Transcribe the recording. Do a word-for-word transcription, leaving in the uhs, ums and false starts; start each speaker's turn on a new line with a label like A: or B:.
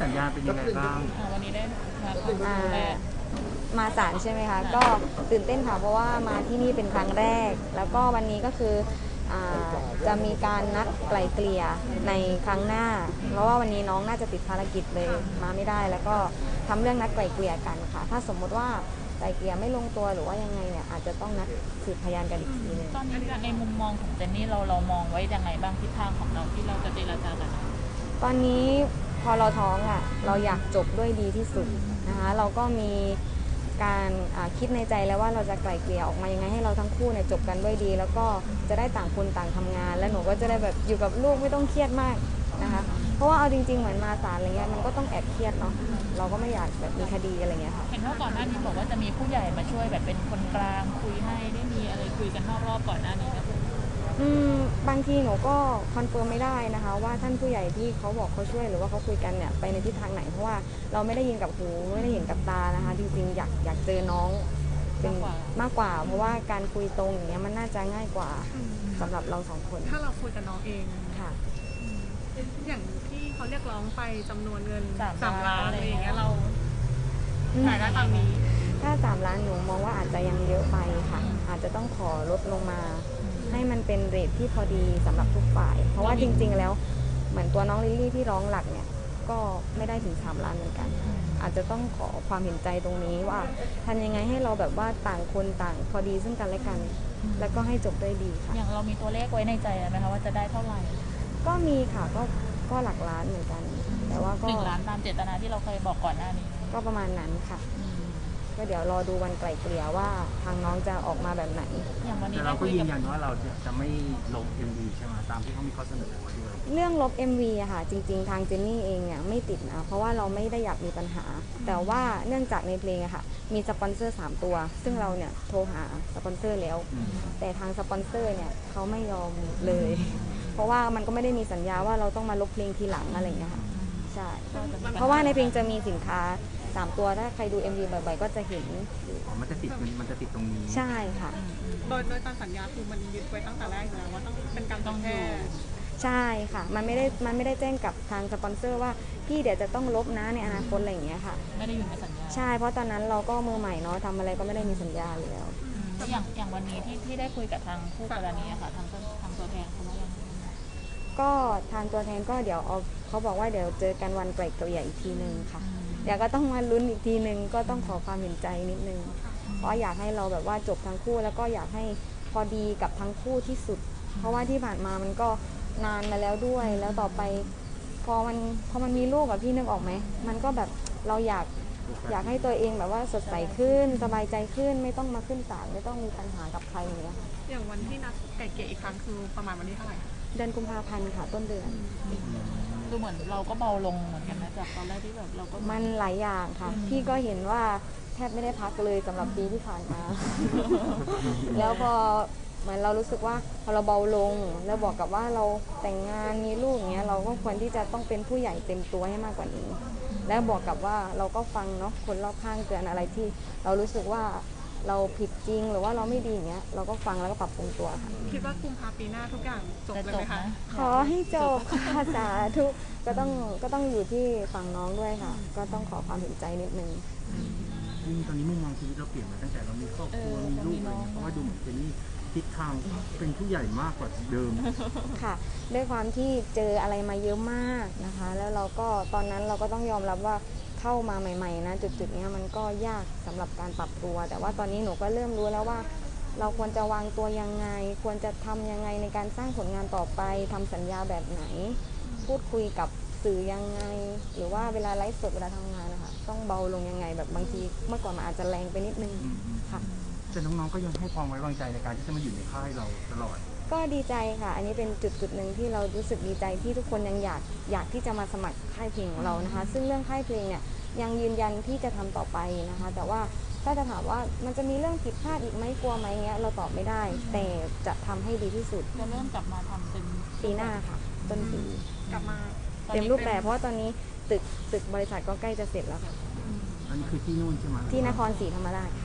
A: สัญญาณเป็นยังไงบ้าง
B: วันนี้ได้มา
C: มาศาลใช่ไหมคะก็ตื่นเต้นค่ะเพราะว่ามาที่นี่เป็นครั้งแรกแล้วก็วันนี้ก็คือจะมีการนัดไกล่เกลี่ยในครั้งหน้าเพราะว่าวันนี้น้องน่าจะติดภารกิจเลยมาไม่ได้แล้วก็ทำเรื่องนัดไกล่เกลี่ยกันค่ะถ้าสมมติว่าไกล่เกลี่ยไม่ลงตัวหรือว่ายังไงเนี่ยอาจจะต้องนัดสืบพยานกันอีกทีนึง
B: ตอนนี้ในมุมมองของเจนนี่เราเรามองไว้ยังไงบ้างทิศทางของเราที่เราจะเจรจากัน
C: ตอนนี้พอเราท้องอ่ะเราอยากจบด้วยดีที่สุดนะคะเราก็มีการคิดในใจแล้วว่าเราจะไกล่เกลี่ยออกมายังไงให้เราทั้งคู่เนี่ยจบกันด้วยดีแล้วก็จะได้ต่างคนต่างทำงานและหนูก็จะได้แบบอยู่กับลูกไม่ต้องเครียดมากนะคะเพราะว่าเอาจริงๆเหมือนมาศาลอะไรเงี้ยมันก็ต้องแอบเครียดเนาะเราก็ไม่อยากแบบมีคดีอะไรเงี้ยค่ะ
B: เห็นว่าก่อนหน้านี้บอกว่าจะมีผู้ใหญ่มาช่วยแบบเป็นคนกลางคุยให้ได้มีอะไรคุยกันนอกรอบก่อนหน้านี้ไหม
C: อืมบางทีหนูก็คอนเฟิร์มไม่ได้นะคะว่าท่านผู้ใหญ่ที่เขาบอกเขาช่วยหรือว่าเขาคุยกันเนี่ยไปในทิศทางไหนเพราะว่าเราไม่ได้ยินกับหูไม่ได้เห็นกับตานะคะจริงๆอยากอยากเจอน้องเป็นมากกว่าเพราะว่าการคุยตรงอย่างเงี้ยมันน่าจะง่ายกว่าสำหรับเราสองคน
D: ถ้าเราคุยกับน้องเอง
C: ค่ะ
D: อย่างที่เขาเรียกร้องไปจำนวนเงินสามล้านอะไรอย่างเงี้ยเราถ่ายได้ตามนี้
C: ถ้าสามล้านหนูมองว่าอาจจะยังเยอะไปค่ะอาจจะต้องขอลดลงมาให้มันเป็นเรทที่พอดีสำหรับทุกฝ่ายเพราะว่าจริงๆแล้วเหมือนตัวน้องลิลลี่ที่ร้องหลักเนี่ยก็ไม่ได้ถึงสามล้านเหมือนกันอาจจะต้องขอความเห็นใจตรงนี้ว่าทำยังไงให้เราแบบว่าต่างคนต่างพอดีซึ่งกันและกันแล้วก็ให้จบได้ดีค่ะ
B: อย่างเรามีตัวเลขไว้ในใจไหมคะว่าจะได้เท่าไหร่
C: ก็มีค่ะก็ก็หลักล้านเหมือนกันแต่ว่าก็
B: หนึ่งล้านตามเจตนาที่เราเคยบอกก่อนหน้านี้
C: ก็ประมาณนั้นค่ะก็เดี๋ยวรอดูวันไกล่เกลี่ยว่าทางน้องจะออกมาแบบไหน
B: อย่างวันนี้
A: เราก็ยืนยันว่าเราจะไม่ลบ เอ็ม วี ใช่ไหมตามที่เขามีข้อเสนอไว้ด้วย
C: เรื่องลบ เอ็ม วี อะค่ะจริงๆทางเจนนี่เองเนี่ยไม่ติดนะเพราะว่าเราไม่ได้อยากมีปัญหาแต่ว่าเนื่องจากในเพลงอะค่ะมีสปอนเซอร์สามตัวซึ่งเราเนี่ยโทรหาสปอนเซอร์แล้วแต่ทางสปอนเซอร์เนี่ยเขาไม่ยอมเลยเพราะว่ามันก็ไม่ได้มีสัญญาว่าเราต้องมาลบเพลงทีหลังอะไรอย่างเงี้ยค่ะใช่เพราะว่าในเพลงจะมีสินค้าสามตัวถ้าใครดู เอ็ม วี บ่อยๆก็จะเห็น
A: มันจะติดมันจะติดตรงนี้
C: ใช่ค่ะ
D: โดยโดยตามสัญญาคือมันยึดไว้ตั้งแต่แรกอยู่แล้วว่าต้องเป็นการต้องแค่
C: ใช่ค่ะมันไม่ได้มันไม่ได้แจ้งกับทางสปอนเซอร์ว่าพี่เดี๋ยวจะต้องลบนะในอนาคตอะไรอย่างเงี้ยค่ะ
B: ไม่ได้อยู่ในสัญญา
C: ใช่เพราะตอนนั้นเราก็มือใหม่เนาะทำอะไรก็ไม่ได้มีสัญญาเลยแล้ว
B: อย่างอย่างวันนี้ที่ที่ได้คุยกับทางผู้กรณีค่ะทางทางตัวแทนเขาว่ายังไง
C: ก็ทางตัวแทนก็เดี๋ยวเอาเขาบอกว่าเดี๋ยวเจอกันวันไกล่เกลี่ยอีกทีนึงค่ะเดี๋ยวก็ต้องมาลุ้นอีกทีนึงก็ต้องขอความเห็นใจนิดนึงเพราะอยากให้เราแบบว่าจบทั้งคู่แล้วก็อยากให้พอดีกับทั้งคู่ที่สุดเพราะว่าที่ผ่านมามันก็นานมาแล้วด้วยแล้วต่อไปพอมันพอมันมีลูกกับพี่นึกออกไหมมันก็แบบเราอยากอยากให้ตัวเองแบบว่าสดใสขึ้นสบายใจขึ้นไม่ต้องมาขึ้นศาลไม่ต้องมีปัญหากับใครอย่างเงี้ย
D: อย่างวันที่นัดไก่เกลี่ยอีกครั้งคือประมาณวันที่เท่าไหร่
C: เดือนกุมภาพันธ์ค่ะต้นเดือน
B: คือเหมือนเราก็เบาลงเหมือนกันนะจากตอนแรกที่แบบเราก็
C: มันหลายอย่างค่ะพี่ก็เห็นว่าแทบไม่ได้พักเลยสำหรับปีที่ผ่านมาแล้วพอเหมือนเรารู้สึกว่าพอเราเบาลงแล้วบอกกับว่าเราแต่งงานมีลูกอย่างเงี้ยเราก็ควรที่จะต้องเป็นผู้ใหญ่เต็มตัวให้มากกว่านี้แล้วบอกกับว่าเราก็ฟังเนาะคนรอบข้างเตือนอะไรที่เรารู้สึกว่าเราผิดจริงหรือว่าเราไม่ดีอย่างเงี้ยเราก็ฟังแล้วก็ปรับปรุงตัวค่ะ
D: คิดว่ากุมภาพันธ์ปีหน้าทุกอย่างจบเลยไหมคะ
C: ขอให้จบค่ะสาธุก็ต้องก็ต้องอยู่ที่ฝั่งน้องด้วยค่ะก็ต้องขอความเห็นใจนิดนึง
A: ตอนนี้มุมมองชีวิตเราเปลี่ยนมาตั้งแต่เรามีครอบครัวมีลูกอะไรเพราะว่าดูเหมือนเป็นนี่ทิศทางเป็นผู้ใหญ่มากกว่าเดิม
C: ค่ะด้วยความที่เจออะไรมาเยอะมากนะคะแล้วเราก็ตอนนั้นเราก็ต้องยอมรับว่าเข้ามาใหม่ๆนะจุดๆนี้มันก็ยากสำหรับการปรับตัวแต่ว่าตอนนี้หนูก็เริ่มรู้แล้วว่าเราควรจะวางตัวยังไงควรจะทำยังไงในการสร้างผลงานต่อไปทำสัญญาแบบไหนพูดคุยกับสื่อยังไงหรือว่าเวลาไลฟ์สดเวลาทำงานนะคะต้องเบาลงยังไงแบบบางทีเมื่อก่อนมันอาจจะแรงไปนิดนึงค่ะ
A: แต่น้องๆก็ยังให้ความไว้วางใจในการที่จะมาอยู่ในค่ายเราตลอด
C: ก็ดีใจค่ะอันนี้เป็นจุดจุดหนึ่งที่เรารู้สึกดีใจที่ทุกคนยังอยากอยากที่จะมาสมัครค่ายเพลงของเรานะคะซึ่งเรื่องค่ายเพลงเนี่ยยังยืนยันที่จะทำต่อไปนะคะแต่ว่าถ้าจะถามว่ามันจะมีเรื่องผิดพลาดอีกไหมกลัวไหมเงี้ยเราตอบไม่ได้แต่จะทำให้ดีที่สุด
B: จะเริ่มกลับมาทำเป็น
C: ปีหน้าค่ะต้นปี
D: กลับมา
C: เต็มรูปแบบเพราะว่าตอนนี้ตึกตึกบริษัทก็ใกล้จะเสร็จแล้วค่ะ
A: อันนี้คือที่นู่นใช่ไหม
C: ที่นครศรีธรรมราช